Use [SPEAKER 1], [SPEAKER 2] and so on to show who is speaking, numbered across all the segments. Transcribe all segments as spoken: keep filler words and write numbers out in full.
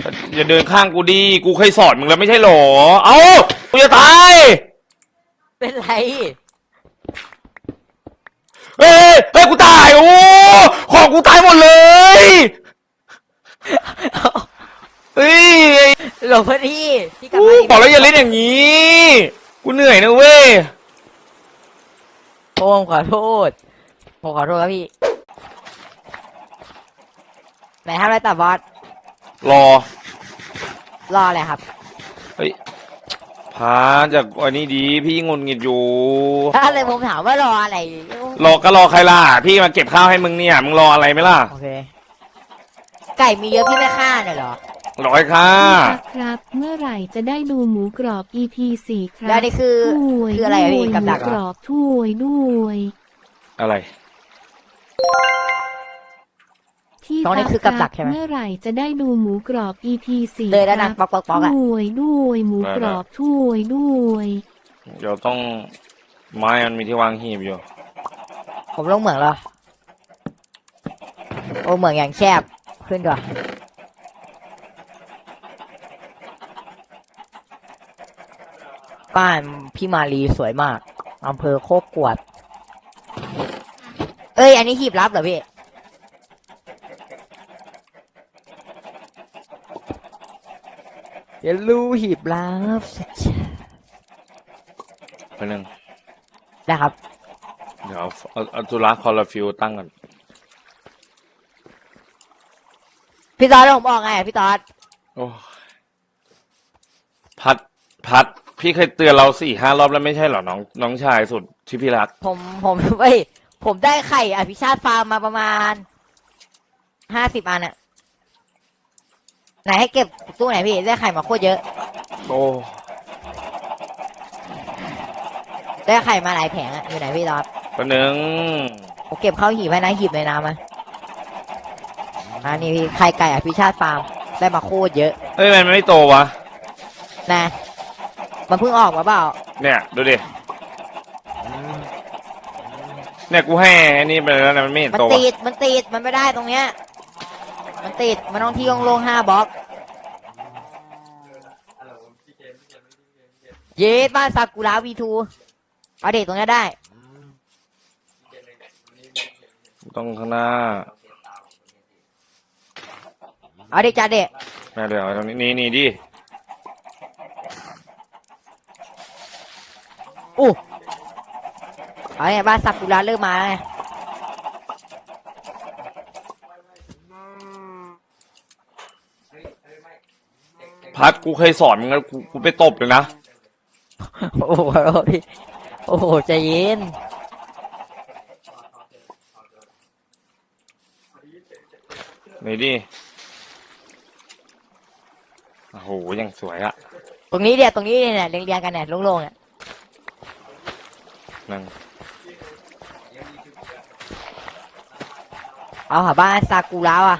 [SPEAKER 1] อย่าเดินข้างกูดิกูเคยสอนมึงแล้วไม่ใช่หรอเอ้ากูจะตาย
[SPEAKER 2] เป็นไร
[SPEAKER 1] เฮ้ยเฮ้ยกูตายโอ้ของกูตายหมดเลยเฮ้ย
[SPEAKER 2] หลบพอดีพี่กลับ
[SPEAKER 1] อู้
[SPEAKER 2] มา
[SPEAKER 1] บอกแล้วอย่าเล่นอย่างนี้กูเหนื่อยนะเว้ย
[SPEAKER 2] ผมขอโทษผมขอโทษครับพี่ไหนทำอะไรต่อบอส
[SPEAKER 1] รอ
[SPEAKER 2] รออะไรครับ
[SPEAKER 1] เฮ้ยพาจากอันนี้ดีพี่งุนงิดอยู่
[SPEAKER 2] ถ้าเลยผมถามว่ารออะไร
[SPEAKER 1] รอก็รอใครล่ะพี่มาเก็บข้าวให้มึงเนี่ยมึงรออะไรไหมล่ะ
[SPEAKER 2] โอเคไก่มีเยอะพี่ไม่ฆ่าเนี่ยเหรอ
[SPEAKER 1] รอให้ข้า
[SPEAKER 3] ครับเมื่อไหร่จะได้ดูหมูกรอบ อี พี สี่ครับ
[SPEAKER 2] แล้วนี่คือ
[SPEAKER 3] ถ้วย
[SPEAKER 2] คืออะไรอะพี่
[SPEAKER 3] ด้วย
[SPEAKER 2] กับดัก
[SPEAKER 3] หมู
[SPEAKER 2] เหรอ
[SPEAKER 3] กรอบถ้วยด้วย
[SPEAKER 1] อะไร
[SPEAKER 3] พี่
[SPEAKER 2] ตรงนี้คือกับดักใช่ไหม
[SPEAKER 3] เมื่อไหร่จะได้ดูหมูกรอบ อี พี สี่
[SPEAKER 2] เลยแล้ว
[SPEAKER 3] ค
[SPEAKER 2] นะ
[SPEAKER 3] รับ
[SPEAKER 2] ป๊อกป๊อกป๊อกอะ
[SPEAKER 3] ถ้วยด้วยหมูกรอบถ้วยด้วย
[SPEAKER 1] เดี๋ยวต้องไม้มันมีที่วางหีบอยู่
[SPEAKER 2] ผมลงเหมืองเหรอโอ้เหมืองอย่างแคบขึ้นก่อนบ้านพี่มาลีสวยมากอำเภอโคกกวดเอ้ยอันนี้หีบลับเหรอพี่เดี๋ยวรู้หีบลับ
[SPEAKER 1] ไปหนึ่ง
[SPEAKER 2] นะครับ
[SPEAKER 1] เดี๋ยวเอาเอาเอาจุฬาคอลลาฟิลตั้งก่อน
[SPEAKER 2] พี่ตอดผมบอกไงอะพี่ตอด
[SPEAKER 1] โอ้พัดพัดพี่เคยเตือนเราสี่ห้ารอบแล้วไม่ใช่เหรอน้องน้องชายสุดที่พี่รัก
[SPEAKER 2] ผมผมเว้ยผมได้ไข่อภิชาติฟาร์มมาประมาณห้าสิบอันอะไหนให้เก็บตู้ไหนพี่ได้ไข่มาโคตรเยอะ
[SPEAKER 1] โอ้
[SPEAKER 2] ได้ไข่มาหลายแผงอะอยู่ไหนพี่ตอด
[SPEAKER 1] แป๊บนึง
[SPEAKER 2] ผมเก็บเข้าหีบไว้นะหีบในน้ำมาอันนี้พี่ไข่ไก่อภิชาติฟาร์มได้มาโคตรเยอะ
[SPEAKER 1] เฮ้ยมันไม่โตวะ
[SPEAKER 2] นะมันเพิ่งออกมาเปล่า
[SPEAKER 1] เนี่ยดูดิเนี่ยกูให้อันนี้ไปแล้วนะมันไม่เห็น
[SPEAKER 2] มัน
[SPEAKER 1] โตวะ
[SPEAKER 2] ติดมันติดมันไม่ได้ตรงเนี้ยมันติดมันต้องที่โล่งๆห้าบล็อกเยสบ้านซากุระวีทูเอาเด็กตรงนี้ได้
[SPEAKER 1] ต้องข้างหน้า
[SPEAKER 2] เอาเด็กจ้าเด็ก
[SPEAKER 1] แม่เดี๋ยวตรงนี้นี่นี่ดิ
[SPEAKER 2] อู้เอาเนี่ยบ้านซากุระเริ่มมาแล้วไง
[SPEAKER 1] พัดกูเคยสอนมึงแล้วกูกูไปตบเลยนะ
[SPEAKER 2] โอ้โหพี่โอ้โหใจเย็น
[SPEAKER 1] นี่ดิโอ้โหยังสวยอะ
[SPEAKER 2] ตรงนี้เดียวตรงนี้เนี่ยเรียงเรียงๆกันเนี่ยโล่งๆเนี่ย
[SPEAKER 1] นั่ง
[SPEAKER 2] เอาหาบ้านซากุระอ่ะ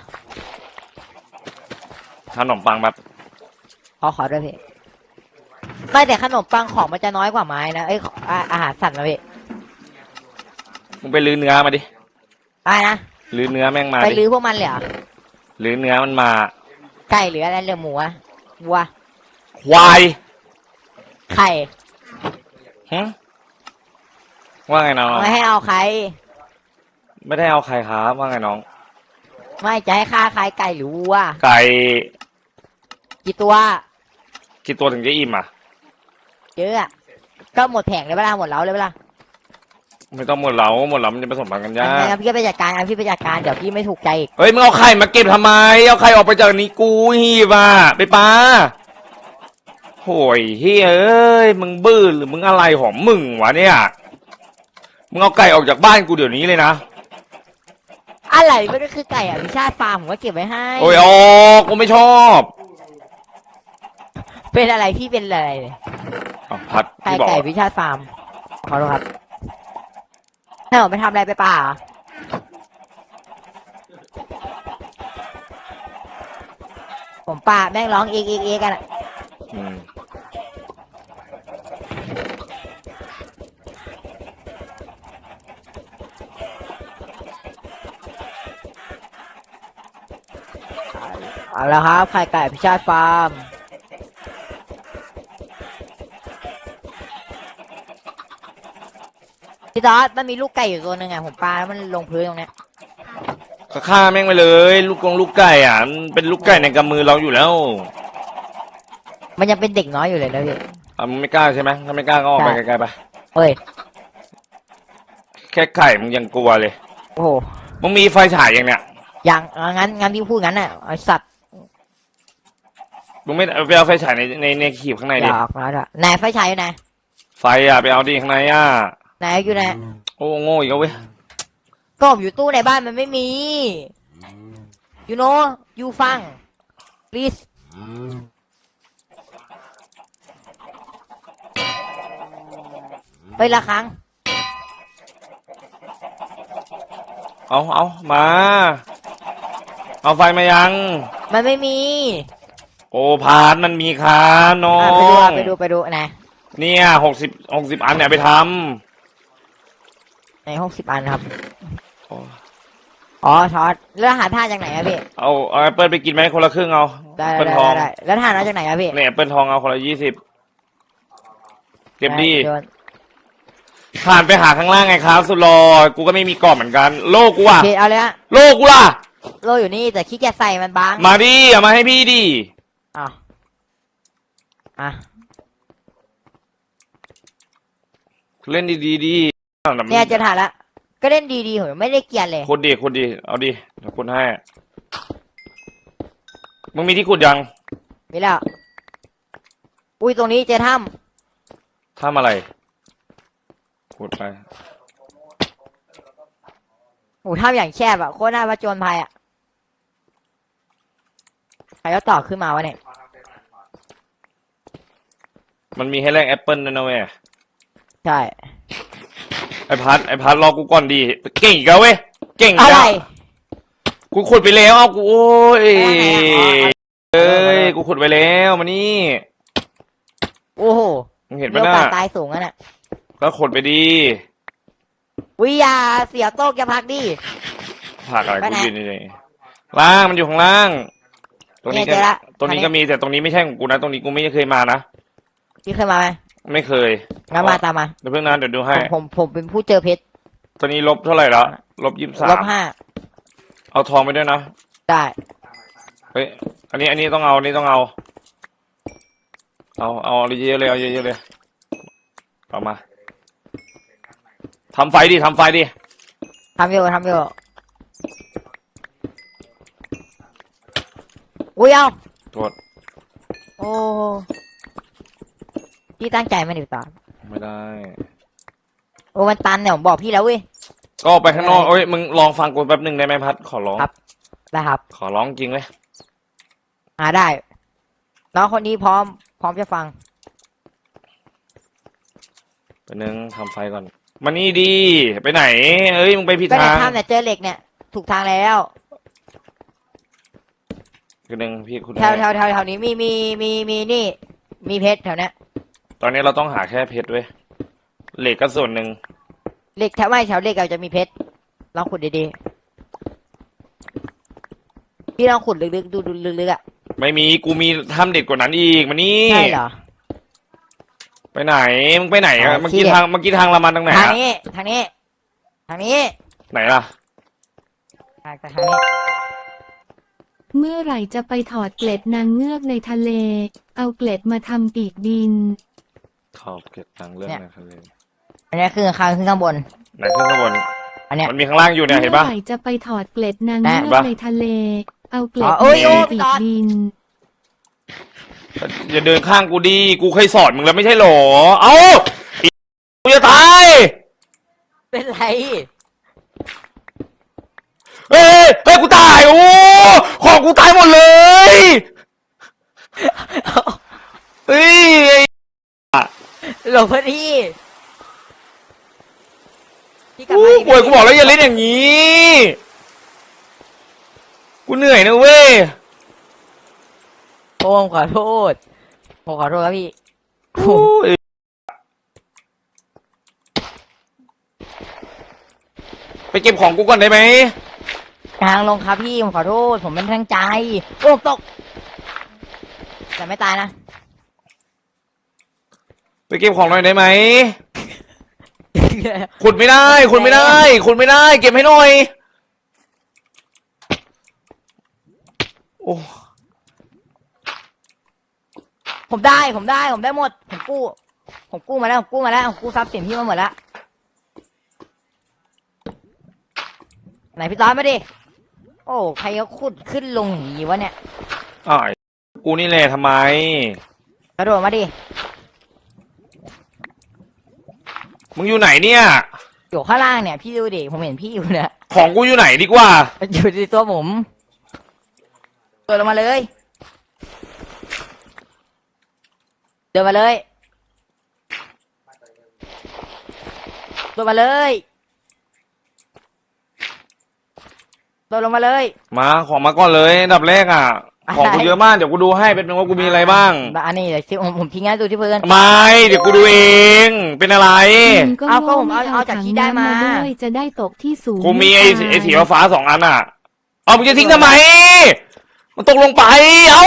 [SPEAKER 1] ขนมปังแบบ
[SPEAKER 2] ขอขอด้วยพี่ไม่แต่ขนมปังของมันจะน้อยกว่าไม้นะเอ้ยอาอาหารสัตว์นะพี่
[SPEAKER 1] มึงไปลื้อเนื้อมาดิ
[SPEAKER 2] อะไรนะ
[SPEAKER 1] ลื้อเนื้อแม่งมา
[SPEAKER 2] ไป
[SPEAKER 1] ดิ
[SPEAKER 2] ลื้อพวกมันเลยเหรอ
[SPEAKER 1] ลื้อเนื้อมันมา
[SPEAKER 2] ไก่หรืออะไรเหลือหมูอะวัว
[SPEAKER 1] ควาย
[SPEAKER 2] ไข่
[SPEAKER 1] หึว่าไงน้อง
[SPEAKER 2] ไม่ให้เอาใคร
[SPEAKER 1] ไม่ได้เอาใครครับว่าไงน้อง
[SPEAKER 2] ไม่จะให้ฆ่าใครไก่หรือวัว
[SPEAKER 1] ไก่
[SPEAKER 2] กี่ตัว
[SPEAKER 1] กี่ตัวถึงจะอิ่มอ่ะ
[SPEAKER 2] เยอะอะก็หมดแผงเลยเวลาหมดเล้าเลยเวลา
[SPEAKER 1] ไม่ต้องหมดเหลาหมดเหลามันจะผสมพันธุ์กันยา
[SPEAKER 2] งั้
[SPEAKER 1] ก
[SPEAKER 2] นพี่ก็ไปจัดการงั้นพี่ไปจัดการเดี๋ยวพี่ไม่ถูกใจอีก
[SPEAKER 1] เฮ้ยมึงเอาไข่มาเก็บทำไมเอาไข่ออกไปจากนี้กูหีบอ่ะไปปาโหยเฮ้ยเอ้ยมึงบื้อหรือมึงอะไรของมึงวะเนี่ยมึงเอาไก่ออกจากบ้านกูเดี๋ยวนี้เลยนะ
[SPEAKER 2] อะไรไม่ได้คือไก่อะพิชาติฟาร์มผมก็เก็บไว้ให้
[SPEAKER 1] โอ้ยออกกูไม่ชอบ
[SPEAKER 2] เป็นอะไรพี่เป็นอะไร
[SPEAKER 1] อ่ะพัด
[SPEAKER 2] ไก่
[SPEAKER 1] พี่บอก
[SPEAKER 2] ไก่พิชาติฟาร์มขอโทษครับถ้าผมไปทำอะไรไปป่าผมป่าแม่งร้องเอกเอกเอกกันอะ
[SPEAKER 1] อืม
[SPEAKER 2] เอาละครับไข่ไก่พิชาติฟาร์มพี่ตอดมันมีลูกไก่อยู่ตัวหนึ่งอ่ะผมปาแล้วมันลงพื้นตรงเนี้ย
[SPEAKER 1] ก็ฆ่าแม่งไปเลย ลูกกงลูกไก่อ่ะมันเป็นลูกไก่ในกำมือเราอยู่แล้ว
[SPEAKER 2] มันยังเป็นเด็กน้อยอยู่เลยนะพี่
[SPEAKER 1] อ่ะมึงไม่กล้าใช่ไหมถ้าไม่กล้าก็ออกไป
[SPEAKER 2] ใช่
[SPEAKER 1] ไกลๆไป
[SPEAKER 2] เฮ้ย
[SPEAKER 1] แค่ไข่มึงยังกลัวเลย
[SPEAKER 2] โอ้โห
[SPEAKER 1] มึงมีไฟฉายยังเนี่ย
[SPEAKER 2] ยังอ่ะงั้นงั้นพี่พูดงั้นน่ะไอสัตว์
[SPEAKER 1] มึงไม่ไปเอาไฟฉายในในในขีบข้างใน
[SPEAKER 2] อ
[SPEAKER 1] ดิ
[SPEAKER 2] ยากมาด้วยไหนไฟฉายอยู่ไหน
[SPEAKER 1] ไฟอ่ะไปเอาดิข้างในอ่ะ
[SPEAKER 2] ไหนอยู่ไหน
[SPEAKER 1] โอ้โง่อีกแล้วเว้ย
[SPEAKER 2] ก็ผมอยู่ตู้ในบ้านมันไม่มี you know you ฟัง please ไปละครั้ง
[SPEAKER 1] เอาเอามา เอาไฟมายัง
[SPEAKER 2] มันไม่มี
[SPEAKER 1] โอ้พานมันมีครับน้อ
[SPEAKER 2] อ่ะไปดู
[SPEAKER 1] ง
[SPEAKER 2] อ่ะไปดูไปดูไหน
[SPEAKER 1] เนี่ยหกสิบหกสิบอันเนี่ยไปท
[SPEAKER 2] ในหกสิบอันครับ
[SPEAKER 1] ำโอ้
[SPEAKER 2] อ๋อช็อตแล้วหาท่าจากไหนอะพี่
[SPEAKER 1] เอาเอาแอปเปิลไปกินไหมคนละครึ่งเอา
[SPEAKER 2] ได้
[SPEAKER 1] แอปเปิล
[SPEAKER 2] ได้
[SPEAKER 1] ทอง
[SPEAKER 2] ได้แล้วท่ามาจากไหนอะพี่
[SPEAKER 1] เนี่ยแอปเปิลทองเอาคนละยี่สิบเก็บดี
[SPEAKER 2] โยน
[SPEAKER 1] ผ่านไปหาข้างล่างไงครับ สุดรอกูก็ไม่มีกรอบเหมือนกัน โลกกูอ่ะ
[SPEAKER 2] พี่เอาเลยฮะ
[SPEAKER 1] โลกกูล่ะ
[SPEAKER 2] โลอยู่นี่แต่ขี้เกียจใส่มันบาง
[SPEAKER 1] มาดิเอามาให้พี่ดิ
[SPEAKER 2] อ่ะอ่ะ
[SPEAKER 1] เล่นดีดีๆดี
[SPEAKER 2] เนี่ยจะถ่ายละก็เล่นดีๆผมไม่ได้เกลียดเลย
[SPEAKER 1] ขุดดิขุดดิเอาดิเดี๋ยวขุดให้ มึงมีที่ขุดยัง
[SPEAKER 2] มีแล้ว อุ้ยตรงนี้เจอถ้
[SPEAKER 1] ทำอะไร ขุดไป
[SPEAKER 2] ำโอ้ถ้ำอย่างแคบอะโคตรน่าประจนภัยอะใครก็ต่อขึ้นมาวะเนี่ย
[SPEAKER 1] มันมีให้แลกแอปเปิลด้วยนะเว้ย
[SPEAKER 2] ใช่
[SPEAKER 1] ไอพัดไอพัดรอกูก่อนดี เก่งอีกแล้วเว้ย เก่งอี
[SPEAKER 2] อะ
[SPEAKER 1] ก
[SPEAKER 2] ไร
[SPEAKER 1] แล้วกูขุดไปแล้วเอากูโอ้ย
[SPEAKER 2] อะไรอะอ๋อ
[SPEAKER 1] เอ้ย กูขุดไปแล้วมานี่
[SPEAKER 2] โอ้โห
[SPEAKER 1] มึงเห็น
[SPEAKER 2] มี
[SPEAKER 1] ปะ
[SPEAKER 2] โอ
[SPEAKER 1] น่ะ
[SPEAKER 2] กาสตายสูงอะน่ะ
[SPEAKER 1] ก็ขุดไปดี
[SPEAKER 2] วิยาเสียโต๊ะจะพักดิ
[SPEAKER 1] ผักอะไร
[SPEAKER 2] ไป
[SPEAKER 1] กู
[SPEAKER 2] ไหน
[SPEAKER 1] ยืนนี่ล่างมันอยู่ข้างล่าง ตรงนี้
[SPEAKER 2] เนี่ย
[SPEAKER 1] ก็
[SPEAKER 2] เจอละ
[SPEAKER 1] ตรงนี้
[SPEAKER 2] ทางนี้
[SPEAKER 1] ก็มีแต่ตรงนี้ไม่ใช่ของกูนะ ตรงนี้กูไม่เคยมานะ
[SPEAKER 2] พี่เคยมาไหม
[SPEAKER 1] ไม่เคย
[SPEAKER 2] งั้นมาตามมา
[SPEAKER 1] เดี๋ยวเพิ่งนะเดี๋ยวดูให้
[SPEAKER 2] ผมผมผมเป็นผู้เจอเพชร
[SPEAKER 1] ตอนนี้ลบเท่าไหร่แล้วลบยี่สิบสา
[SPEAKER 2] ล
[SPEAKER 1] ม
[SPEAKER 2] บห้า
[SPEAKER 1] เอาทองไปด้วยนะ
[SPEAKER 2] ได้
[SPEAKER 1] เฮ้ย อันนี้อันนี้ต้องเอาอันนี้ต้องเอา เอาเอาเยอะๆเลยเอาเยอะๆเลยเอามาทำไฟดิทำไฟดิ
[SPEAKER 2] ทำอยู่ทำอยู่อุ้ยเอา
[SPEAKER 1] โทษ
[SPEAKER 2] โอ้พี่ตั้งใจไหม่ดิตอน
[SPEAKER 1] ไม่ได้
[SPEAKER 2] โอ้มันตันเนี่ยผมบอกพี่แล้วเว้ย
[SPEAKER 1] ก็ออกไปข้างนอกเอ้ยมึงลองฟังกูแป๊บหนึ่งได้ไหมพัดขอร้อง
[SPEAKER 2] ครับ ได้ครับ
[SPEAKER 1] ขอร้องจริงเลย
[SPEAKER 2] หาได้น้องคนนี้พร้อม พร้อมจะฟัง
[SPEAKER 1] ไปนึงทำไฟก่อนมานี่ดีไปไหน เอ้ยมึงไปผิด
[SPEAKER 2] ก็ใน
[SPEAKER 1] ทาง
[SPEAKER 2] ถ้ำเนี่ยเจอเหล็กเนี่ย ถูกทางแล้ว
[SPEAKER 1] คือหนึ่งพี่คุณ
[SPEAKER 2] แถวแถวแถวแถวนี้มีมีมีมีนี่ มีเพชรแถวเนี้ย
[SPEAKER 1] ตอนนี้เราต้องหาแค่เพชรเว้ยเหล็กก็ส่วนหนึ่ง
[SPEAKER 2] เหล็กแถวไม่แถวเหล็กเราจะมีเพชรลองขุดดีๆพี่ลองขุดลึกๆดูดูลึกๆอ่ะ
[SPEAKER 1] ไม่มีกูมีทำเด็ดกว่านั้นอีกมานี่
[SPEAKER 2] ใช่เหรอ
[SPEAKER 1] ไปไหนมึงไปไหน
[SPEAKER 2] อ๋
[SPEAKER 1] อะ
[SPEAKER 2] อ
[SPEAKER 1] เมื่อกี้
[SPEAKER 2] ที่เด็ด
[SPEAKER 1] ทางเมื่อกี้ทางละมันตรงไหน
[SPEAKER 2] ทาง
[SPEAKER 1] อะ
[SPEAKER 2] นี้ ทางนี้ ทางนี้
[SPEAKER 1] ไหนล่ะ
[SPEAKER 2] ทางทางนี้
[SPEAKER 3] เมื่อไหร่จะไปถอดเกล็ดนางเงือกในทะเล เอาเกล็ดมาทำปีกบิน
[SPEAKER 1] ขอบเก็บตังค์เรื่องนะครับเลย
[SPEAKER 2] อันนี้คือข้างขึ้นข้างบน
[SPEAKER 1] ไหนขึ้นข้างบน
[SPEAKER 2] อันเนี้ย
[SPEAKER 1] มันมีข้างล่างอยู่เนี่ยเห็น
[SPEAKER 3] เมื่
[SPEAKER 1] ปะ
[SPEAKER 3] อไหร่จะไปถอดเกล็ดนางเงื
[SPEAKER 1] เห็
[SPEAKER 3] อน ก
[SPEAKER 1] ปะ
[SPEAKER 3] ในทะเล เอาเกล็ด
[SPEAKER 2] อ๋อเอ้
[SPEAKER 3] มาย
[SPEAKER 2] โอ้
[SPEAKER 3] ทำปี
[SPEAKER 2] พี่
[SPEAKER 3] ก
[SPEAKER 2] ตอด
[SPEAKER 3] บิน
[SPEAKER 1] อย่าเดินข้างกูดีกูเคยสอนมึงแล้วไม่ใช่หรอเอ้าอีกูจะตาย
[SPEAKER 2] เป็นไร
[SPEAKER 1] เฮ้ยเฮ้ยกูตายโอ้ของกูตายหมดเลยเฮ้ยไอ้
[SPEAKER 2] หลบพอดีพี่กลับ
[SPEAKER 1] กู
[SPEAKER 2] มาดิ
[SPEAKER 1] ป่วยกูบอกแล้วอย่าเล่นอย่างนี้ กูเหนื่อยนะเว้ย
[SPEAKER 2] ผมขอโทษ ผมขอโทษครับพี่
[SPEAKER 1] โอ้ยไปเก็บของกูก่อนได้ไหม
[SPEAKER 2] ทางลงครับพี่ผมขอโทษ ผมเป็นทางใจ โอ้ตก แต่ไม่ตายนะ
[SPEAKER 1] ไปเก็บของหน่อยได้ไหมขุดไม่ได้ขุดไม่ได้ขุดไม่ได้ เก็บให้หน่อยโอ้
[SPEAKER 2] ผมได้ผมได้ผมได้หมด ผมกู้ ผมกู้มาแล้วผมกู้มาแล้วผมกู้ทรัพย์สินพี่มาหมดแล้ว ไหนพี่ต้อยมาดิ โอ้ใครเขาขุดขึ้นลงอย่างนี้วะเนี่ย
[SPEAKER 1] อ้ายกูนี่แหละทำไม
[SPEAKER 2] กระโดดมาดิ
[SPEAKER 1] มึงอยู่ไหนเนี่ย
[SPEAKER 2] อยู่ข้างล่างเนี่ย พี่ดูดิ ผมเห็นพี่อยู่เนี่ย
[SPEAKER 1] ของกูอยู่ไหนดีกว่า
[SPEAKER 2] อยู่ที่ตัวผมเดินลงมาเลย เดินมาเลยเดินมาเลยเดินลงมาเลย
[SPEAKER 1] มาของมาก่อนเลยอันดับแรกอ่ะ ของกูเยอะมากเดี๋ยวกูดูให้เป็นว่ากูมีอะไรบ้าง
[SPEAKER 2] อันนี้เดี๋ยวที่ผมผมทิ้งให้ดูที่พื้น
[SPEAKER 1] ไม่เดี๋ยวกูดูเอง เป็นอะไร
[SPEAKER 3] มึงก็
[SPEAKER 2] เอาก็
[SPEAKER 3] โง่
[SPEAKER 2] ผม
[SPEAKER 3] ไม่
[SPEAKER 2] เอา
[SPEAKER 3] เอา
[SPEAKER 2] เอาจาก
[SPEAKER 3] ถัง
[SPEAKER 2] ที่ได้
[SPEAKER 3] น้ำ
[SPEAKER 2] มา
[SPEAKER 3] มาด้วยจะได้ตกที่สูง
[SPEAKER 1] กูมี
[SPEAKER 3] ไม่
[SPEAKER 1] ไอ้
[SPEAKER 3] ตาย
[SPEAKER 1] ไอ้สีฟ้าๆสองอันอ่ะ เอามึงจะทิ้งทำไม มันตกลงไป เอา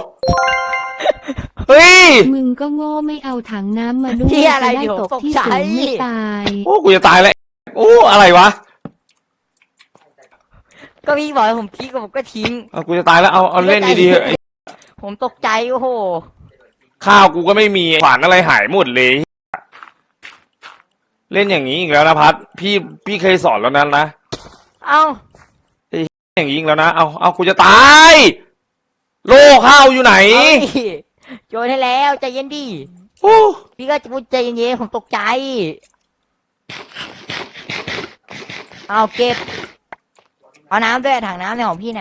[SPEAKER 1] เฮ้ย
[SPEAKER 3] มึงก็โง่ไม่เอาถังน้ำมาด้วย
[SPEAKER 2] ที่
[SPEAKER 3] จะ
[SPEAKER 2] อะไร
[SPEAKER 3] ได้
[SPEAKER 2] อยู่
[SPEAKER 3] ตก
[SPEAKER 2] ตก
[SPEAKER 3] ที่
[SPEAKER 2] ใจ
[SPEAKER 3] สูงไม่ตาย
[SPEAKER 1] โอ้กูจะตายแล้วโอ้อะไรวะ
[SPEAKER 2] ก็พี่บอกให้ผมทิ้งก็ผมก็ทิ้ง
[SPEAKER 1] เอากูจะตายแล้วเอาเอาเล่นดีๆเถอะไอ้
[SPEAKER 2] ผมตกใจโอ้โห
[SPEAKER 1] ข้าวกูก็ไม่มีขวานอะไรหายหมดเลย เล่นอย่างนี้อีกแล้วนะพัดพี่พี่เคยสอนแล้วนั้นนะ
[SPEAKER 2] เอ้า
[SPEAKER 1] อย่างนี้อีกแล้วนะเอาเอากูจะตาย โลข้าวอยู่ไหน
[SPEAKER 2] เอาดิโยนให้แล้วใจเย็นดิ
[SPEAKER 1] โอ้
[SPEAKER 2] พี่ก็จะพูดใจเย็นๆผมตกใจ เอาเก็บ เอาน้ำด้วยถังน้ำในของพี่เนี่ย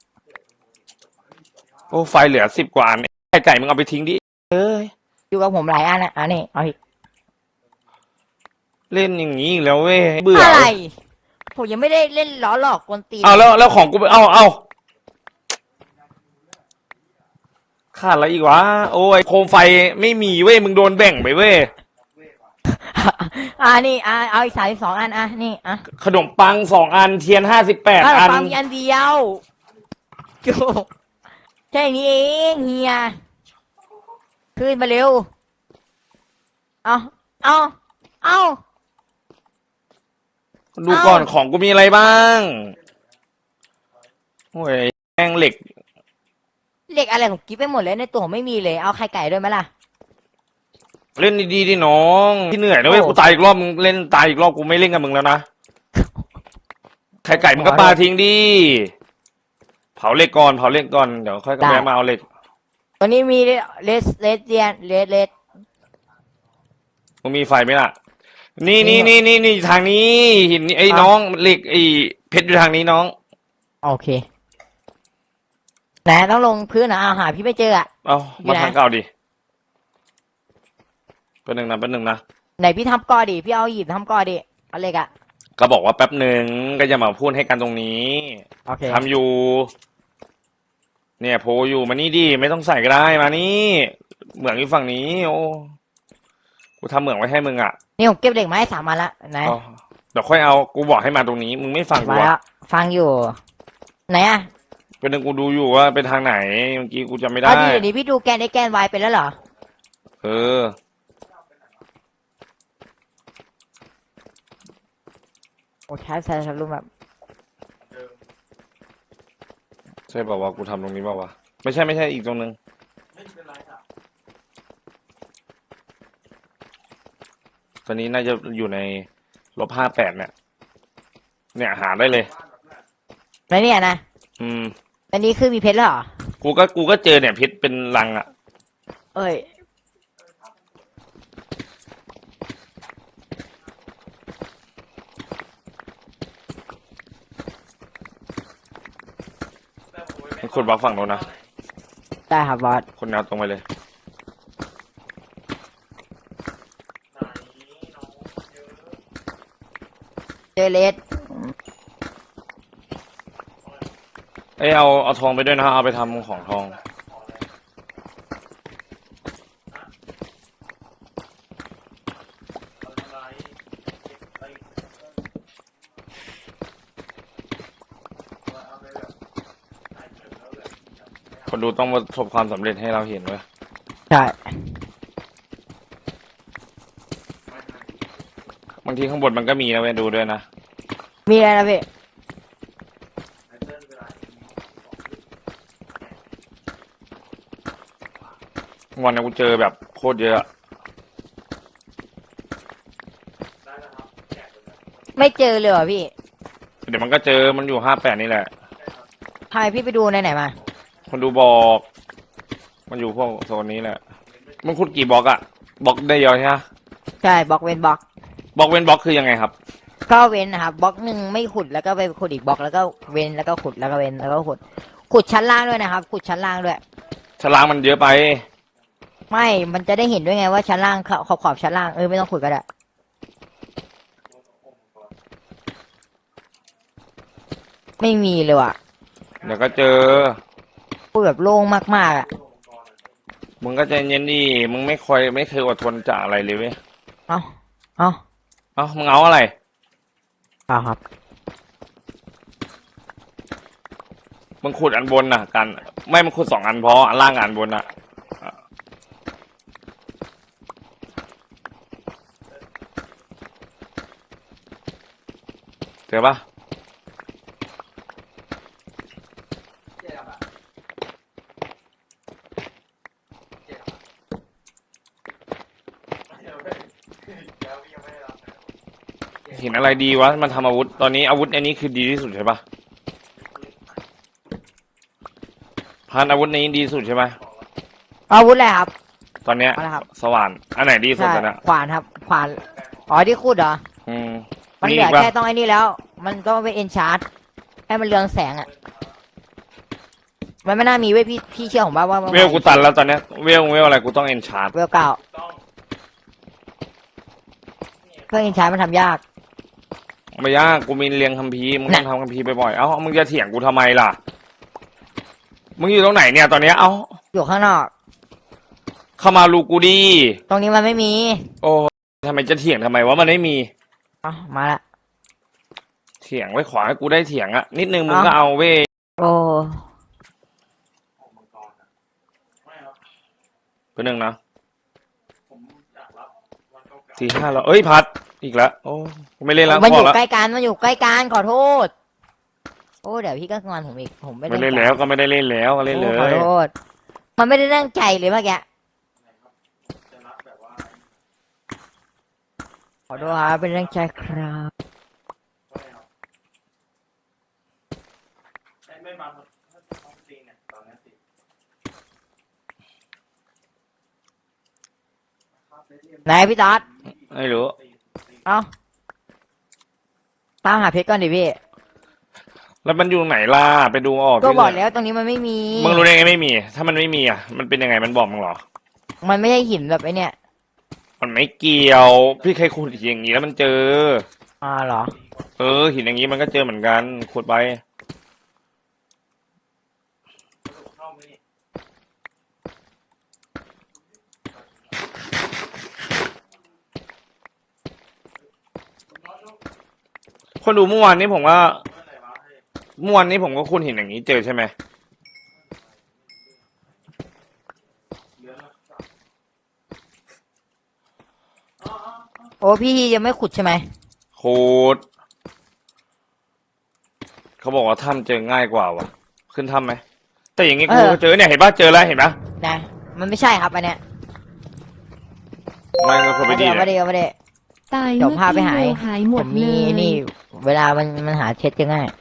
[SPEAKER 1] โอ้ไฟเหลือสิบกว่าอันไก่ไก่มึงเอาไปทิ้งดิเอ้ย
[SPEAKER 2] อยู่กับผมหลายอันนะอันนี้เอาอีก
[SPEAKER 1] เล่นอย่างนี้อีกแล้วเว้ยเบื่อ
[SPEAKER 2] อะไร ผมยังไม่ได้เล่นล้อหลอกกวนตีน
[SPEAKER 1] เอาแล้วแล้วของกูไปเอาเอาขาดอะไรอีกวะโอ้ยโคมไฟไม่มีเว้ยมึงโดนแบ่งไปเว้ย
[SPEAKER 2] อ่านี่อ่าเอาอีกสามสองอันอ่ะนี่อ่ะ
[SPEAKER 1] ขนมปังสองอันเทียนห้าสิบแปด
[SPEAKER 2] ขนม
[SPEAKER 1] อัน
[SPEAKER 2] ปังมีอันเดียวโจแค่นี้เองเฮียขึ้นมาเร็ว เอาเอาเอา
[SPEAKER 1] ดูก่อนของกูมีอะไรบ้างโอ้ยแม่งเหล็ก
[SPEAKER 2] เหล็กอะไรผมกิ๊บไปหมดเลยในตัวผมไม่มีเลย เอาไข่ไก่ด้วยไหมล่ะ
[SPEAKER 1] เล่นดีๆดิน้องที่เหนื่อยนะเว้ย
[SPEAKER 2] โอ้
[SPEAKER 1] กูตายอีกรอบมึงเล่นตายอีกรอบกูไม่เล่นกับมึงแล้วนะไข่ไก่มึงก็ปาทิ้งดิเผาเหล็กก่อนเผาเหล็กก่อนเดี๋ยวค่อยกระแวะมาเอาเหล็ก
[SPEAKER 2] ตัวนี้มีเลสเลสเดียนเลสเลส
[SPEAKER 1] มึงมีไฟไหมล่ะ นี่นี่นี่นี่นี่ทางนี้หินนี่ไอ้น้องเหล็กไอ้เพชรอยู่ทางนี้น้อง
[SPEAKER 2] โอเคไหนต้องลงพื้นนะเอาหาพี่ไม่เจออ่ะ
[SPEAKER 1] เอา
[SPEAKER 2] อยู่
[SPEAKER 1] มา
[SPEAKER 2] ไหน
[SPEAKER 1] ทางเก่าดิเป็นหนึ่งนะเป็นหนึ่งนะ
[SPEAKER 2] ไหนพี่ทำก่อดิพี่เอาหยิบทำก่อดิเอาเหล็กอ่ะ
[SPEAKER 1] ก็บอกว่าแป๊บหนึ่งก็จะมาพูดให้กันตรงนี้
[SPEAKER 2] โอเค
[SPEAKER 1] ทำอยู่ เนี่ยโพลอยู่มานี่ดิไม่ต้องใส่ก็ได้มานี่เหมืองอยู่ฝั่งนี้ โอ้กูทำเหมืองไว้ให้มึงอ่ะ
[SPEAKER 2] นี่ผมเก็บเหล็กมาให้สามอันละไหน
[SPEAKER 1] เอาเดี๋ยวค่อยเอากูบอกให้มาตรงนี้ มึงไม่ฟังกู
[SPEAKER 2] มาแล้
[SPEAKER 1] อ่ะ
[SPEAKER 2] วฟังอยู่ ไหนอ่ะ
[SPEAKER 1] เป็นหนึ่งกูดูอยู่ว่าเป็นทางไหนเมื่อกี้กูจำไม่ได้
[SPEAKER 2] เอาดิเดี๋ยวนี้พี่ดูแกนไอแกนวายเป็นแล้วเหรอ
[SPEAKER 1] เออ
[SPEAKER 2] โอ้ใช้ใช้ใช้รูปแบบ
[SPEAKER 1] ใช่ป่าวะกูทำตรงนี้ป่าวะไม่ใช่ไม่ใช่อีกตรงนึงตอนนี้น่าจะอยู่ในลบห้าแปดเนี่ย เนี่ยหาได้เลย
[SPEAKER 2] แล้วเนี่ยนะ
[SPEAKER 1] อืม
[SPEAKER 2] อันนี้คือมีเพชรแล้วเหรอ
[SPEAKER 1] กูก็กูก็เจอเนี่ยเพชรเป็นลังอ่ะ
[SPEAKER 2] เอ้ย
[SPEAKER 1] คนบล็อกฝั่งโน้นนะ
[SPEAKER 2] ได้ครับบอส
[SPEAKER 1] คนแนวตรงไปเลย
[SPEAKER 2] เจเลส
[SPEAKER 1] เอ้ยเอาเอาทองไปด้วยนะเอาไปทำของทองดูต้องประสบความสำเร็จให้เราเห็นเว้ย
[SPEAKER 2] ใช่
[SPEAKER 1] บางทีข้างบนมันก็มีนะเว้ยดูด้วยนะ
[SPEAKER 2] มีอะไรนะพี่
[SPEAKER 1] วันนี้กูเจอแบบโคตรเยอะ
[SPEAKER 2] ไม่เจอเลยเหรอพี่
[SPEAKER 1] เดี๋ยวมันก็เจอมันอยู่ห้าแปดนี่แหละ
[SPEAKER 2] ทำไมพี่ไปดูในไหนมา
[SPEAKER 1] คนดูบอก มันอยู่พวกโซนนี้แหละมึงขุดกี่บล็อกอะบล็อกได้เยอะใช่ไหม
[SPEAKER 2] ใช่บล็อกเว้นบล็อก
[SPEAKER 1] บล็อกเว้นบล็อกคือยังไงครับ
[SPEAKER 2] ก็เว้นนะครับบล็อกหนึ่งไม่ขุดแล้วก็ไปขุดอีกบล็อกแล้วก็เว้นแล้วก็ขุดแล้วก็เว้นแล้วก็ขุดขุดชั้นล่างด้วยนะครับขุดชั้นล่างด้วย
[SPEAKER 1] ฉลามมันเยอะไป
[SPEAKER 2] ไม่ มันจะได้เห็นด้วยไงว่าชั้นล่างขอบขอบชั้นล่างเออไม่ต้องขุดก็ได้ไม่มีเลยว่ะ
[SPEAKER 1] เดี๋ยวก็เจอ
[SPEAKER 2] พูดแบบโล่งมากๆอ่ะ
[SPEAKER 1] มึงก็ใจเย็นดิมึงไม่คอยไม่เคยอดทนจากอะไรเลยเว้ย
[SPEAKER 2] เอาเอา
[SPEAKER 1] เอ้ามึงเอาอะไร
[SPEAKER 2] เอาครับ
[SPEAKER 1] มึงขุดอันบนน่ะกัน ไม่มึงขุดสองอันพออันล่างกับอันบนน่ะเจอปะเห็นอะไรดีวะมันทำอาวุธตอนนี้อาวุธอันนี้คือดีที่สุดใช่ปะพันอาวุธนี้ดีที่สุดใช่ไหม
[SPEAKER 2] อาวุธอะไรครับ
[SPEAKER 1] ตอนเนี้ย
[SPEAKER 2] เอาละครับ
[SPEAKER 1] สว่านอันไหนดีที่สุด
[SPEAKER 2] ใช่
[SPEAKER 1] ตอนเนี้ย
[SPEAKER 2] ขวานครับขวานอ๋อที่ขุดเหรอ
[SPEAKER 1] อืม
[SPEAKER 2] มัน
[SPEAKER 1] มี
[SPEAKER 2] เหลื
[SPEAKER 1] อี
[SPEAKER 2] อก
[SPEAKER 1] ปะ
[SPEAKER 2] แค่ต้องไอ้นี่แล้ว มันต้องไปเอนชาร์ดให้มันเรืองแสงอ่ะมันไม่น่ามีเว้ยพี่พี่เชื่อผมป่าว่า
[SPEAKER 1] เวลกูตันแล้วตอนเนี้ยเวลเวลอะไรกูต้องเอนชาร์ด
[SPEAKER 2] เวลเก้าเพื่อเอนชาร์ดมันทำยาก
[SPEAKER 1] ไม่ยากกูมีเรียงคัมภีร์มึงต้องทำคัมภีร์บ่อยๆเอ้ามึงจะเถียงกูทำไมล่ะมึงอยู่ตรงไหนเนี่ยตอนเนี้ยเอ้า
[SPEAKER 2] อยู่ข้างนอก
[SPEAKER 1] เข้ามาลูกูดี
[SPEAKER 2] ตรงนี้มันไม่มี
[SPEAKER 1] โอ้ทำไมจะเถียงทำไมว่ามันไม่มี
[SPEAKER 2] เอ๋อมาละ
[SPEAKER 1] เถียงไว้ขอให้กูได้เถียงอะนิดนึงมึง
[SPEAKER 2] เอ้า
[SPEAKER 1] ก็เอาเว้ย
[SPEAKER 2] โอ้
[SPEAKER 1] เพื่อนหนึ่งนะสี่ห้าแล้วเอ้ยพัดอีกแล้วโอ้กูไม่เล่นแล้ว
[SPEAKER 2] มัน
[SPEAKER 1] พ
[SPEAKER 2] อ
[SPEAKER 1] อยู่ แล้ว
[SPEAKER 2] ใกล้กันมันอยู่ใกล้กันขอโทษโอ้เดี๋ยวพี่ก็งอนผมอีกผมไม่
[SPEAKER 1] ไม่เล่นแล้วก็ไม่ได้เล่นแล้วก็เล่นเล
[SPEAKER 2] โอ้ขอย โทษมันไม่ได้ตั้งใจเลยเมื่อกี้ขอโทษครับเป็นตั้งใจครับไหนพี่ต๊อด
[SPEAKER 1] ไม่รู้
[SPEAKER 2] เอาตามหาเพชรก่อนดิพี่
[SPEAKER 1] แล้วมันอยู่ไหนล่ะไปดูออก
[SPEAKER 2] ก็
[SPEAKER 1] ที่
[SPEAKER 2] บอก
[SPEAKER 1] ไหน
[SPEAKER 2] แล้วตรงนี้มันไม่มี
[SPEAKER 1] มึงรู้ได้ไงไม่มี ถ้ามันไม่มีอ่ะมันเป็นยังไงมันบอกมึงเหรอ
[SPEAKER 2] มันไม่ใช่หินแบบไอ้เนี่ย
[SPEAKER 1] มันไม่เกี่ยว พี่เคยขุดอย่างนี้แล้วมันเจอ
[SPEAKER 2] อ่าเหรอ
[SPEAKER 1] เออหินอย่างนี้มันก็เจอเหมือนกันขุดไปคนดูเมื่อวานนี้ผมว่าเมื่อวานนี้ผมก็คุณเห็นอย่างนี้เจอใช่ไหม
[SPEAKER 2] โอ้พี่ยังไม่ขุดใช่ไหม
[SPEAKER 1] ขุดเขาบอกว่าถ้ำเจอง่ายกว่าวะขึ้นถ้ำไหมแต่อย่างงี้กูก็เจอเนี่ยเห็นปะเจอแล้วเห็นปะ
[SPEAKER 2] นะมันไม่ใช่ครับอันเนี้ย
[SPEAKER 1] ไม่ก็คนไป
[SPEAKER 2] มา
[SPEAKER 1] ดี
[SPEAKER 2] เดี๋ยวมา
[SPEAKER 1] เนี่ย
[SPEAKER 2] เดี๋ยวมาเดี๋ยว
[SPEAKER 3] ตาย
[SPEAKER 2] เดี๋ยว
[SPEAKER 3] เมื่อ
[SPEAKER 2] พาไป
[SPEAKER 3] กี้
[SPEAKER 2] หา
[SPEAKER 3] เวลหายหม
[SPEAKER 2] ผ
[SPEAKER 3] ด
[SPEAKER 2] ม
[SPEAKER 3] เล
[SPEAKER 2] มี
[SPEAKER 3] ย
[SPEAKER 2] นี่ เวลามันมันหาเช็ดจะง่าย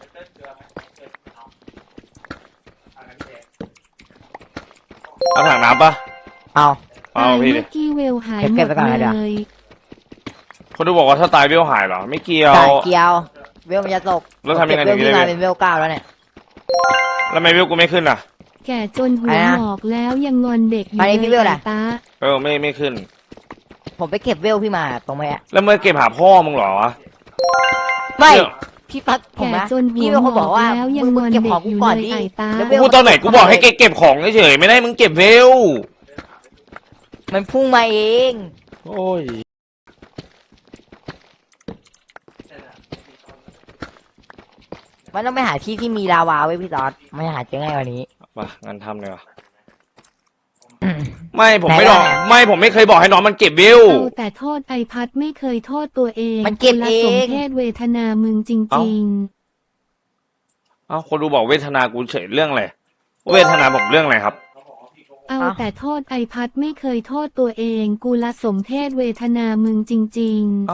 [SPEAKER 1] เอาถังน้ำปะ
[SPEAKER 2] เอา
[SPEAKER 1] เอา
[SPEAKER 3] ตาย
[SPEAKER 1] พี่ดิ
[SPEAKER 3] เมื่อกี้เวลหายหม
[SPEAKER 2] เก็บ
[SPEAKER 3] ด
[SPEAKER 2] ไว้ก่อนนะเดี๋ยว
[SPEAKER 3] เลย
[SPEAKER 1] คนดูบอกว่าถ้าตายเวลหายเหรอไม่เกี่ยว
[SPEAKER 2] จ่ายเกียว เวลมันจะตก
[SPEAKER 1] แล้วทำยังไง
[SPEAKER 2] เก็บเวล
[SPEAKER 1] ถึง
[SPEAKER 2] ที่
[SPEAKER 1] จะได้
[SPEAKER 2] มาเป็นเวลเก้าแล้วเนี่ย
[SPEAKER 1] แล้วทำไมเวลกูไม่ขึ้นอ่ะ
[SPEAKER 3] แก่จนหัว
[SPEAKER 2] อะไรนะ
[SPEAKER 3] หงอกแล้วยังงอนเด็กอยู่
[SPEAKER 2] ไปพี่
[SPEAKER 3] เล
[SPEAKER 2] เวย ลอะไร
[SPEAKER 3] ไอ้ตา
[SPEAKER 1] เออไม่ไม่ขึ้น
[SPEAKER 2] ผมไปเก็บเวลพี่มาตรงไหนอะ
[SPEAKER 1] แล้วเมื่อเก็บหาพ่อมึงเหรอวะ
[SPEAKER 2] ไม่
[SPEAKER 1] เดี๋ยว
[SPEAKER 2] พี่ฟัดผม
[SPEAKER 3] แก่
[SPEAKER 2] นะ
[SPEAKER 3] จนหั
[SPEAKER 2] พี่
[SPEAKER 3] ว
[SPEAKER 2] เป็น
[SPEAKER 3] ห
[SPEAKER 2] คน
[SPEAKER 3] ง
[SPEAKER 2] บอ
[SPEAKER 3] อก ก
[SPEAKER 2] ว่า
[SPEAKER 3] แล้วยัง
[SPEAKER 2] มึ
[SPEAKER 3] ง
[SPEAKER 2] ง
[SPEAKER 3] อน
[SPEAKER 2] เก็บ
[SPEAKER 3] เด็
[SPEAKER 2] ของ
[SPEAKER 3] ก
[SPEAKER 2] กู
[SPEAKER 3] อยู่
[SPEAKER 2] ก่อน
[SPEAKER 3] เลย
[SPEAKER 2] ดิ
[SPEAKER 3] ไอ้ตา
[SPEAKER 2] แล้วเวล
[SPEAKER 1] กูตอนไหนกูบอกให้เก็บของเฉยๆไม่ได้มึงเก็บเวล
[SPEAKER 2] มันพุ่งมาเอง
[SPEAKER 1] โอ้ย
[SPEAKER 2] มันต้องไปหาที่ที่มีลาวาไว้พี่ตอดไม่หาเจอง่ายกว่านี้
[SPEAKER 1] มางั้นทำเลยว่ะไม่ผมไม่
[SPEAKER 2] ไหน
[SPEAKER 1] บ
[SPEAKER 2] ล่ะ
[SPEAKER 1] อกไม่ผมไม่เคยบอกให้น้องมันเก็บวิว
[SPEAKER 3] เอาแต่โทษไอพัดไม่เคยโทษตัวเอง
[SPEAKER 2] มันเก็บ
[SPEAKER 3] ละ
[SPEAKER 2] เอง
[SPEAKER 3] สมเพศเวทนามึงจ
[SPEAKER 1] เอ้า
[SPEAKER 3] ริง
[SPEAKER 1] เอ้าคนดูบอกเวทนากูเฉยเรื่องอะไรเวทนาผมเรื่องอะไรครับ
[SPEAKER 3] ๆ เอาแต่โทษไอพัดไม่เคยโทษตัวเอง กูละสมเพศเวทนามึงจริง
[SPEAKER 1] เอ้า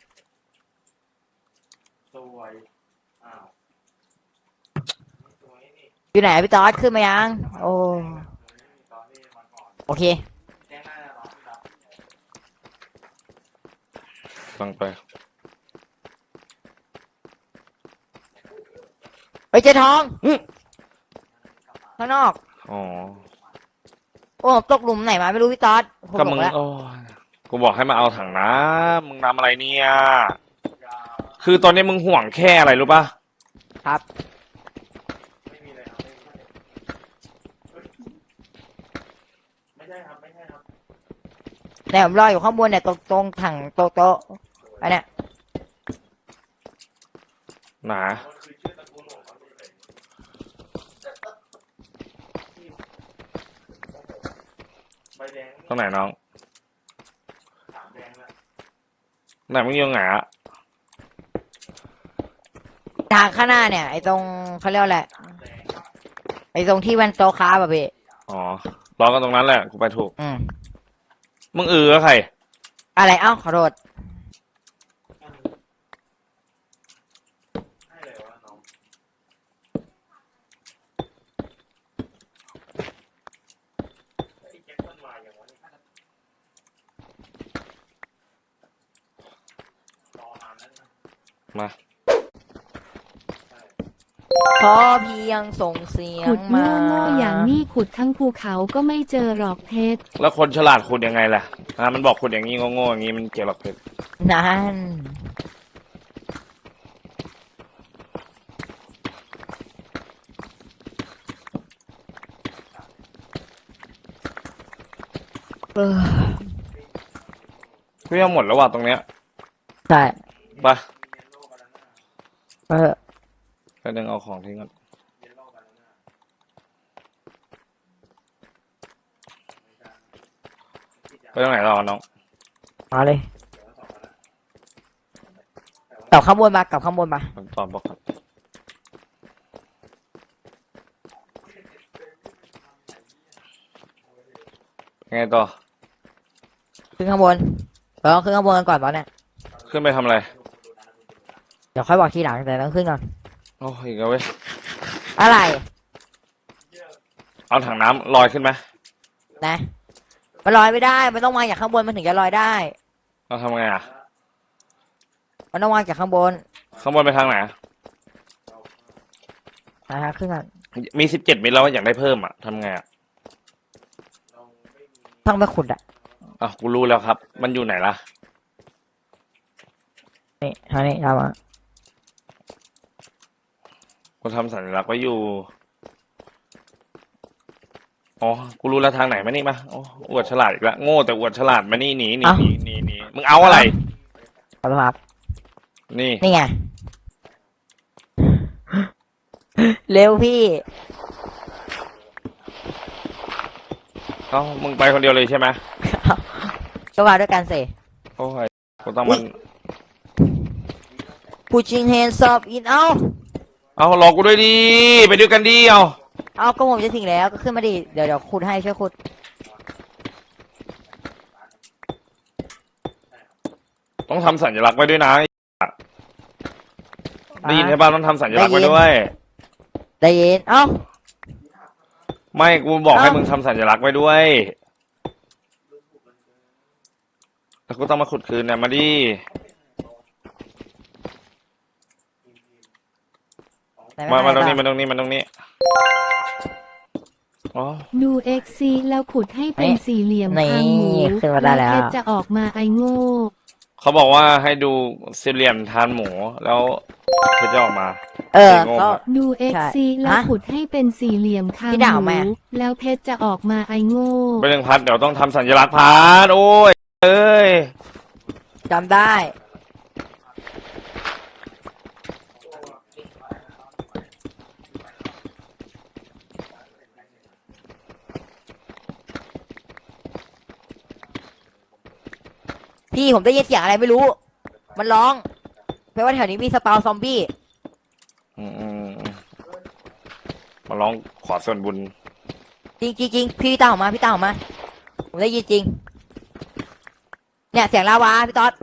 [SPEAKER 2] อยู่ไหนพี่ต๊อดขึ้นมายัง โอ้โอเค
[SPEAKER 1] ฟังไป
[SPEAKER 2] ไปเจอทองข้างนอก
[SPEAKER 1] อ๋อ
[SPEAKER 2] โอ้ตกหลุมไหนมาไม่รู้พี่ต๊อดผม
[SPEAKER 1] ก็
[SPEAKER 2] บ
[SPEAKER 1] มึ
[SPEAKER 2] อง กแล้ว
[SPEAKER 1] โอ้ยกูบอกให้มาเอาถังน้ำมึงทำอะไรเนี่ย คือตอนนี้มึงห่วงแค่อะไรรู้ป่ะ
[SPEAKER 2] ครับแต่ผมรออยู่ข้างบนเนี่ยตรงตรงถังโต๊ะโต๊ะอันเนี้ย
[SPEAKER 1] หนาตรงไหนน้องไหนมึงอยังไงอะ
[SPEAKER 2] ทางข้างหน้าเนี่ยไอ้ตรงเขาเรียกว่าอะไรไอ้ตรงที่มันโต๊ะค้าแบบพี่
[SPEAKER 1] อ๋อรอกันตรงนั้นแหละกูไปถูก
[SPEAKER 2] อืม
[SPEAKER 1] มึงเออแล้วใคร
[SPEAKER 2] อะไรเอ้าขอโทษ
[SPEAKER 1] มา
[SPEAKER 2] ขอเพียงส่งเสีย
[SPEAKER 3] ๆ ขุ
[SPEAKER 2] ง
[SPEAKER 3] ด
[SPEAKER 2] มา
[SPEAKER 3] โง่ๆอย่างนี้ขุดทั้งภูเขาก็ไม่เจอหรอกเพชร
[SPEAKER 1] แล้วคนฉลาดขุดยังไงล่ะอ่ามันบอกขุดอย่างนี้โง่ๆอย่างนี้มันเกี่ยวหรอกเพชร
[SPEAKER 2] นั่นเออ
[SPEAKER 1] พี่ยังหมดแล้วว่ะตรงเนี้ย
[SPEAKER 2] ใช่
[SPEAKER 1] ไป
[SPEAKER 2] เออ
[SPEAKER 1] ไปดึงเอาของทิ้งก่อนไปตรงไหนรอน้อง
[SPEAKER 2] มาเลยกลับข้างบนมากลับข้างบนมา
[SPEAKER 1] ตอนบอกครับไงต่อ
[SPEAKER 2] ขึ้นข้างบนเราต้องขึ้นข้างบนกันก่อนตอนเนี้ย
[SPEAKER 1] ขึ้นไปทำอะไร
[SPEAKER 2] เดี๋ยวค่อยบอกทีหลังแต่ต้องขึ้นก่อน
[SPEAKER 1] โอ้ยอีกแล้วเว้ย
[SPEAKER 2] อะไร
[SPEAKER 1] เอาถังน้ำลอยขึ้นไหม
[SPEAKER 2] นะมันลอยไม่ได้มันต้องวางจากข้างบนมันถึงจะลอยได้
[SPEAKER 1] เราทำไงอ่ะ
[SPEAKER 2] มันต้องวางจากข้างบน
[SPEAKER 1] ข้างบนไปทางไหน
[SPEAKER 2] นะฮะขึ้นก่อน
[SPEAKER 1] มีสิบเจ็ดมิลแล้วอยากได้เพิ่มอ่ะทำไงอ่ะ
[SPEAKER 2] ต้องไปขุดอ่ะ
[SPEAKER 1] อ่ะกูรู้แล้วครับ มันอยู่ไหนล่ะ
[SPEAKER 2] นี่ทางนี้ทำอ่ะ
[SPEAKER 1] กูทำสัญลักษณ์ไว้อยู่ อ๋อ กูรู้แล้วทางไหนมานี่มาโอ้อวดฉลาดอีกแล้วโง่แต่อวดฉลาดมานี่หนีหนีหนีหนีหนีมึงเอาอะไร
[SPEAKER 2] ขอโทษครับ
[SPEAKER 1] นี่
[SPEAKER 2] นี่ไง เร็วพี่
[SPEAKER 1] เอ้ามึงไปคนเดียวเลยใช่ไหม
[SPEAKER 2] ก็มาด้วยกันสิ
[SPEAKER 1] โอ้ยกูต้องมัน
[SPEAKER 2] pushing hands up in เอา
[SPEAKER 1] เอารอกูด้วยดิไปด้วยกันดิเอา
[SPEAKER 2] เอาก็ผมจะถึงแล้วก็ขึ้นมาดิเดี๋ยวเดี๋ยวขุดให้ช่วยขุด
[SPEAKER 1] ต้องทำสัญลักษณ์ไว้ด้วยนะได้ยินใช่ป่ะต้องทำสัญลักษณ์ไว้ด้วย
[SPEAKER 2] ได้ยินเอ้า
[SPEAKER 1] ไม่กูบอกให้
[SPEAKER 2] เอ้ามึ
[SPEAKER 1] มึงทำสัญลักษณ์ไว้ด้วยแล้วกูต้องมาขุดคืนเนี่ยมาดิ
[SPEAKER 2] ไหน
[SPEAKER 1] มามาตรง
[SPEAKER 2] ไห
[SPEAKER 1] นี้มาตรงนี้มาตรงนี้อ๋อ
[SPEAKER 3] ดูเอ็กซีแล้วขุดให้เป็นสี่เหลี่ยมคางหมู
[SPEAKER 2] ขึ้นมาได้แล้ว
[SPEAKER 3] เพชรจะออกมาไอโง่
[SPEAKER 1] เขาบอกว่าให้ดูสี่เหลี่ยมทานหมูแล้วเพชรจะออกมา
[SPEAKER 2] เออ
[SPEAKER 1] โง่
[SPEAKER 2] ก็
[SPEAKER 1] มาก
[SPEAKER 3] ดูเอ็กซีแล้ว
[SPEAKER 2] ฮะ
[SPEAKER 3] ขุดให้เป็นสี่เหลี่ยมคาง
[SPEAKER 2] พี่
[SPEAKER 3] ห
[SPEAKER 2] ด่า
[SPEAKER 3] มู
[SPEAKER 2] ไหม
[SPEAKER 3] แล้วเพชรจะออกมาไอโง่
[SPEAKER 1] ไปหนึ่งพัดเดี๋ยวต้องทำสัญลักษณ์พัดโอ้ยเอ้ย
[SPEAKER 2] จำได้พี่ผมได้ยินเสียงอะไรไม่รู้ มันร้องแปลว่าแถวนี้มีสปาวซอมบี้
[SPEAKER 1] อืมอืมอืมมาร้องขอส่วนบุญ
[SPEAKER 2] จริงจริงจริงพี่ตามออกมาพี่ตามออกมา ผมได้ยินจริง เนี่ยเสียงลาวาพี่ต๊อด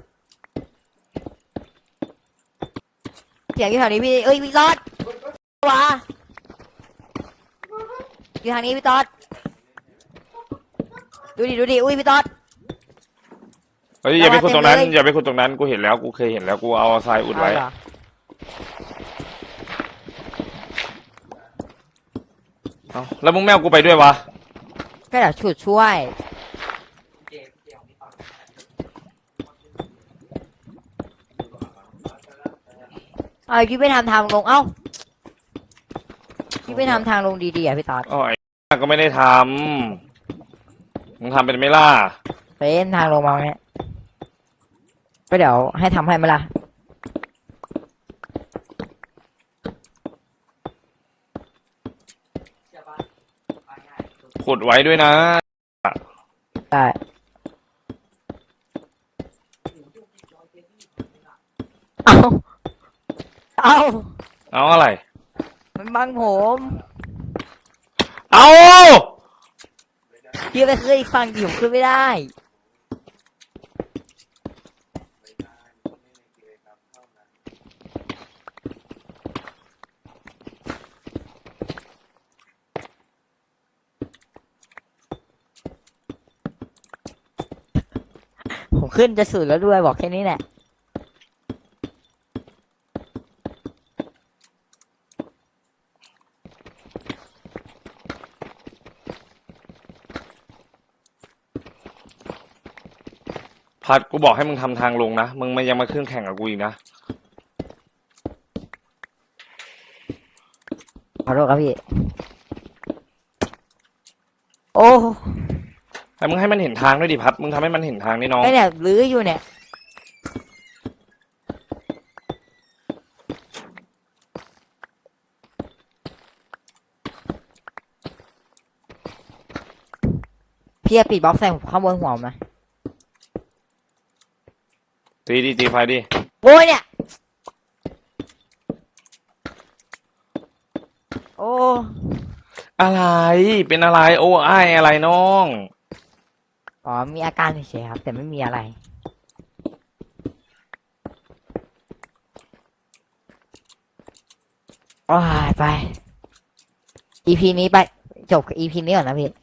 [SPEAKER 2] เสียงอยู่แถวนี้พี่เอ้ยพี่ต๊อดลาวาอยู่ทางนี้พี่ต๊อดดูดิดูดิอุ้ยพี่ต๊อด
[SPEAKER 1] เฮ้ยอย่าไปขุดตรงนั้น
[SPEAKER 2] เต็มเลย
[SPEAKER 1] อย่าไปขุดตรงนั้นกูเห็นแล้วกูเคยเห็นแล้วกูเอาทรายอุดไว้
[SPEAKER 2] เอาเหรอ
[SPEAKER 1] เอ้าแล้วมึงแมวกูไปด้วยวะ
[SPEAKER 2] ก็เดี๋ยวฉุดช่วยเอาพี่ไปทำทางลงเอ้าพี่ไปทำทางลงดีๆอ่ะพี่ต๊อด
[SPEAKER 1] อ๋อไอ้ก็ไม่ได้ทำมึงทำเป็นไหม่ล่ะ
[SPEAKER 2] เป็นทางลงมาเนี่ยก็เดี๋ยวให้ทำให้ไหมล่ะ
[SPEAKER 1] ขุดไว้ด้วยนะ
[SPEAKER 2] ได้เอาเอา
[SPEAKER 1] เอาอะไร
[SPEAKER 2] มันบังผม
[SPEAKER 1] เอา
[SPEAKER 2] พี่ไปเคยฟังดิผมขึ้นไม่ได้ผมขึ้นจะสุดแล้วด้วยบอกแค่นี้แหละ
[SPEAKER 1] พัดกูบอกให้มึงทำทางลงนะมึงมันยังมาขึ้นแข่งกับกูอีกนะ
[SPEAKER 2] ขอโทษครับพี่โอ้
[SPEAKER 1] แต่มึงให้มันเห็นทางด้วยดิพัดมึงทำให้มันเห็นทางนี่น้อง
[SPEAKER 2] ไอเนี่ยลื้ออยู่เนี่ยพี่จะปิดบล็อกใส่ข้างบนหัวผมนะ
[SPEAKER 1] ตีดีตีไฟดิ
[SPEAKER 2] โอ้ยเนี่ย โอ้
[SPEAKER 1] อะไรเป็นอะไรโอ้ไอ้ายอะไรน้อง
[SPEAKER 2] อ๋อ มีอาการเฉยๆครับ แต่ไม่มีอะไร โอ้ยไป อี พี นี้ไป จบกับ อี พี นี้ก่อนนะพี่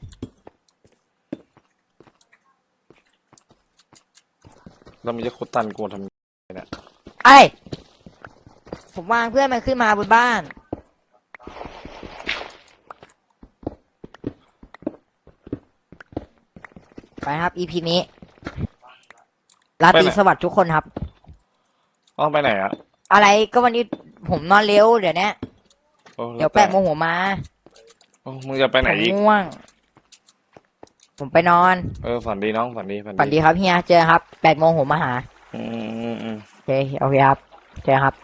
[SPEAKER 1] เรามันจะโคตรตันกูทำ
[SPEAKER 2] ไอ้ยผมวางเพื่อนมันขึ้นมาบนบ้าน ไปครับ อี พี นี้ราตรีสวัสดิ์ทุกคนครับ
[SPEAKER 1] อ๋อไปไหนอะ
[SPEAKER 2] อะไรก็วันนี้ผมนอนเร็วเดี๋ยวนี้
[SPEAKER 1] โอ้
[SPEAKER 2] เดี๋ยวแปดโมงหัวมา
[SPEAKER 1] โอ้มึงจะไปไหน
[SPEAKER 2] ผม
[SPEAKER 1] อีก
[SPEAKER 2] ง่วง ผมไปนอน
[SPEAKER 1] เออฝันดีน้องฝันดีฝัน
[SPEAKER 2] ฝันดีครับเฮียเจอครับแปดโมงผมมาหา
[SPEAKER 1] อืมอืมอืม
[SPEAKER 2] โอเคโอเคครับเจอครับ